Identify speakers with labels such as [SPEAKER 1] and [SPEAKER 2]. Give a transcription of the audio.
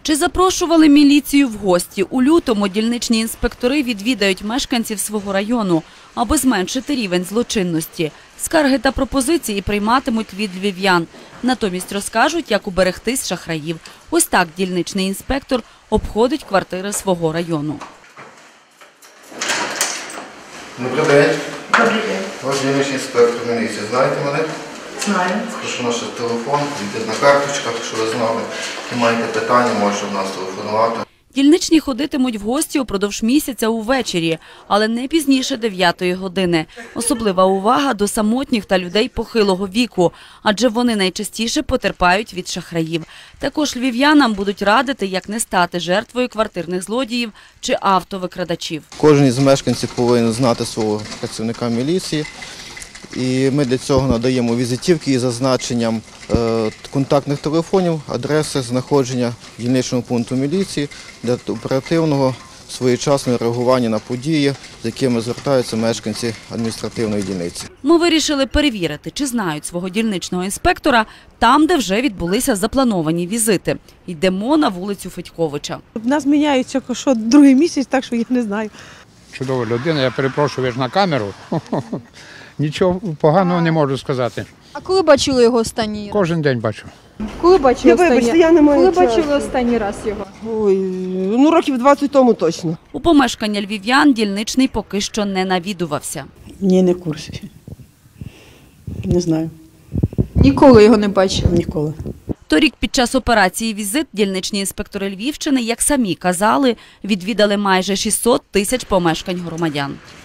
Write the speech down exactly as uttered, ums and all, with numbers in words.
[SPEAKER 1] Чи запрошували міліцію в гості? У лютому дільничні інспектори відвідають мешканців свого району, аби зменшити рівень злочинності. Скарги та пропозиції прийматимуть від львів'ян. Натомість розкажуть, як уберегтись шахраїв. Ось так дільничний інспектор обходить квартири свого району.
[SPEAKER 2] Добрий день.
[SPEAKER 3] Добрий день.
[SPEAKER 2] Ваш дільничний інспектор міліції. Знаєте мене?
[SPEAKER 3] Знаю.
[SPEAKER 2] Прошу наш телефон, візитна карточка, якщо ви знали. І маєте питання, можете в нас телефонувати.
[SPEAKER 1] Дільничні ходитимуть в гості упродовж місяця увечері, але не пізніше дев'ятої години. Особлива увага до самотніх та людей похилого віку, адже вони найчастіше потерпають від шахраїв. Також львів'янам будуть радити, як не стати жертвою квартирних злодіїв чи автовикрадачів.
[SPEAKER 2] Кожен із мешканців повинен знати свого працівника міліції. І ми для цього надаємо візитівки із зазначенням контактних телефонів, адреси знаходження дільничного пункту міліції для оперативного своєчасного реагування на події, з якими звертаються мешканці адміністративної дільниці.
[SPEAKER 1] Ми вирішили перевірити, чи знають свого дільничного інспектора там, де вже відбулися заплановані візити. Йдемо на вулицю Федьковича.
[SPEAKER 4] У нас міняються що другий місяць, так що я не знаю.
[SPEAKER 5] Чудова людина, я перепрошую, ви ж на камеру. Нічого поганого не можу сказати.
[SPEAKER 6] А коли бачили його останній раз?
[SPEAKER 5] Кожен день бачу.
[SPEAKER 6] Коли бачили
[SPEAKER 4] Я вибачте,
[SPEAKER 6] останній...
[SPEAKER 4] я не маю
[SPEAKER 6] Коли
[SPEAKER 4] часу.
[SPEAKER 6] бачили останній раз його?
[SPEAKER 4] Ой, ну років двадцять тому точно.
[SPEAKER 1] У помешкання львів'ян дільничний поки що не навідувався.
[SPEAKER 7] Ні, не в курсі. Не знаю.
[SPEAKER 6] Ніколи його не бачили?
[SPEAKER 7] Ніколи.
[SPEAKER 1] Торік під час операції «Візит» дільничні інспектори Львівщини, як самі казали, відвідали майже шістсот тисяч помешкань громадян.